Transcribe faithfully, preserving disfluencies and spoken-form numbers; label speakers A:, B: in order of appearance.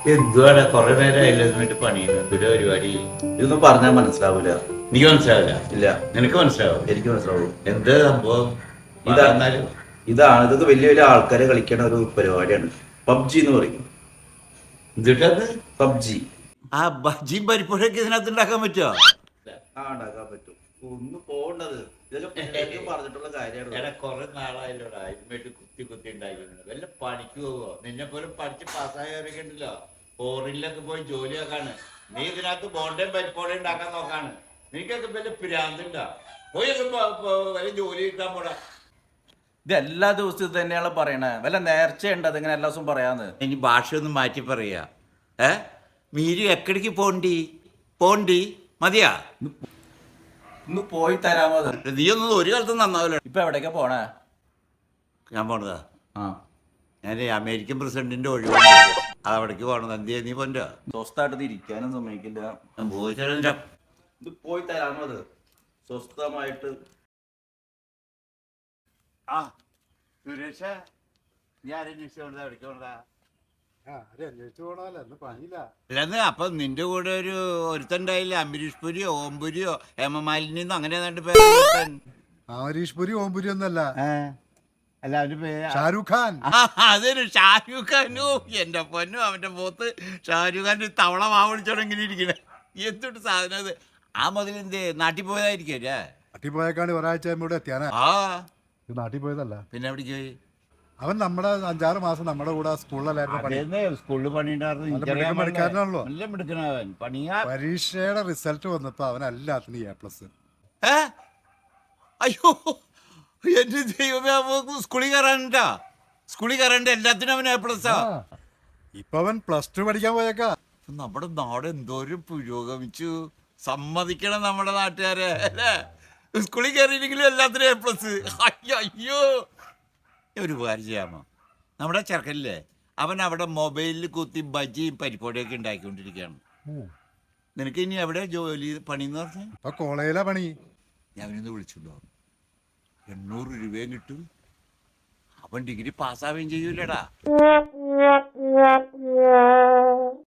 A: എന്തുവാടാ കൊറേ നേരമായില്ല എന്നിട്ട് പണിയുന്നു എന്തൊരു പരിപാടി.
B: ഇതൊന്നും പറഞ്ഞാൽ മനസ്സിലാവൂല.
A: നീ മനസ്സിലാവില്ല?
B: ഇല്ല,
A: നിനക്ക് മനസ്സിലാവും.
B: എനിക്ക് മനസ്സിലാവുള്ളൂ.
A: എന്ത് സംഭവം?
B: ഇതാ
A: ഇതാന്നാലും
B: ഇതാണ് ഇതൊക്കെ വലിയ വലിയ ആൾക്കാരെ കളിക്കണ ഒരു പരിപാടിയാണ്. പബ്ജി എന്ന് പറയും.
A: എന്നിട്ടത്
B: പബ്ജി
A: ആ ബജിയും പരിപ്പൊക്കെ ഇതിനകത്ത് ഉണ്ടാക്കാൻ പറ്റുമോ?
B: ആ ഉണ്ടാക്കാൻ പറ്റും. ഒന്ന് പോകേണ്ടത് ഇതെല്ലാം പിള്ളേർക്ക് പറഞ്ഞിട്ടുള്ള കാര്യമാണ്.
A: എടാ കൊറേ നാളായല്ലോടാ ഇതുമായിട്ട് കുത്തി കുത്തി ഉണ്ടാക്കുന്നത്. വല്ല പണിക്ക് പോവോ? നിന്നെ പോലും പഠിച്ച് പാസ്സായവരൊക്കെ ഉണ്ടല്ലോ ഫോറിനിലൊക്കെ പോയി ജോലിയാക്കാണ്. നീ ഇതിനകത്ത് ബോണ്ടയും പരിപ്പോടയും ഉണ്ടാക്കാൻ നോക്കാണ്. നിനക്കൊക്കെ വല്ല പിരാന്തുണ്ടോ? പോയി വല്ല ജോലി കിട്ടാൻ പോടാ.
C: ഇത് എല്ലാ ദിവസവും തന്നെയാണ് പറയണേ. വല്ല നേർച്ചയുണ്ട് അതിങ്ങനെ എല്ലാ ദിവസവും പറയാന്ന്.
A: ഇനി ഭാഷയൊന്നും മാറ്റി പറയാ. ഏ മീരി എക്കടിക്ക് പോണ്ടി പോണ്ടി മതിയാ.
C: ഒന്ന് പോയി തരാമോ?
A: നീ ഒന്നും ഒരു കാലത്തും നന്നാവില്ല.
C: ഇപ്പൊ എവിടേക്കാ പോണേ?
A: ഞാൻ പോണതാ.
C: ആ
A: ഞാൻ അമേരിക്കൻ പ്രസിഡന്റിന്റെ ഒഴിവ് അത് അവിടേക്ക് പോകണത്. എന്ത് ചെയ്യാ നീ പോൻ്റെ?
C: സ്വസ്ഥായിട്ട് ഇരിക്കാനും സമ്മതിക്കില്ല.
B: ഇത് പോയി തരാമോ? അത് സ്വസ്ഥമായിട്ട്.
A: ആ സുരേഷ നീ ആരന്വേഷിച്ചോണ്ടാ എവിടേക്ക് പോണതാ? അല്ലെന്ന് അപ്പൊ നിന്റെ കൂടെ ഒരു ഒരുത്തണ്ടായില്ലേ, അംബരീഷ് പുരിയോ ഓംപുരിയോ ഹേമമാലിനിന്നോ അങ്ങനെ ഏതാണ്ട് പേര്.
D: അമരീഷ് പുരി ഓംപുരി ഒന്നല്ല,
A: അല്ല അവന്റെ പേര്
D: ഷാരൂഖ് ഖാൻ.
A: അതൊരു ഷാരൂഖ് ഖാനും എന്റെ പൊന്നും അവന്റെ പോത്ത് ഷാരൂഖ് ഖാൻ തവള മാവിളിച്ചോടെ ഇങ്ങനെ ഇരിക്കണേ. എന്തൊട്ട് സാധനം അത്. ആ മുതൽ എന്ത് നാട്ടിൽ പോയതായിരിക്കും.
D: നാട്ടിൽ പോയേക്കാണ് ഒരാഴ്ച ഇവിടെ എത്തിയാനാ.
A: ആ
D: ഇത് നാട്ടിൽ പോയതല്ല,
A: പിന്നെ എവിടേക്ക് പോയി?
D: അവൻ നമ്മുടെ അഞ്ചാറ് മാസം നമ്മുടെ കൂടെ സ്കൂളിലായിരുന്നു പണി.
A: സ്കൂളിൽ
D: പണിക്കാരനാണല്ലോ.
A: നല്ല മിടുക്കനവൻ പണിയാ.
D: പരീക്ഷയുടെ റിസൾട്ട് വന്നപ്പോ അവൻ എല്ലാത്തിനും എ പ്ലസ്.
A: ഏ അയ്യോ എന്റെ ദൈവമേ, സ്കൂളിൽ കയറാനുണ്ടാ? സ്കൂളിൽ കയറാണ്ട് എല്ലാത്തിനും അവൻ എ പ്ലസ്.
D: ഇപ്പൊ അവൻ പ്ലസ് ടു പഠിക്കാൻ പോയേക്കാ.
A: നമ്മുടെ നാട് എന്തോരം പുരോഗമിച്ചു. സമ്മതിക്കണം നമ്മുടെ നാട്ടുകാരെ അല്ലേ? സ്കൂളിൽ കയറിയില്ലെങ്കിലും എല്ലാത്തിനും എ പ്ലസ്. അയ്യോ അയ്യോ ഒരു ഉപകാരം ചെയ്യാമോ? നമ്മുടെ ചെറുക്കനില്ലേ, അവൻ അവിടെ മൊബൈലിൽ കുത്തി ബജിയും പരിപ്പോടിയൊക്കെ ഉണ്ടാക്കിക്കൊണ്ടിരിക്കുകയാണ്. നിനക്ക് ഇനി എവിടെ ജോലി പണി എന്ന് പറഞ്ഞാൽ?
D: ഇപ്പൊ കോളേജിലാ പണി.
A: ഞാൻ അവനൊന്ന് വിളിച്ചുണ്ടോ? എണ്ണൂറ് രൂപയും കിട്ടും. അവൻ ഡിഗ്രി പാസ്സാവുകയും ചെയ്യൂലടാ.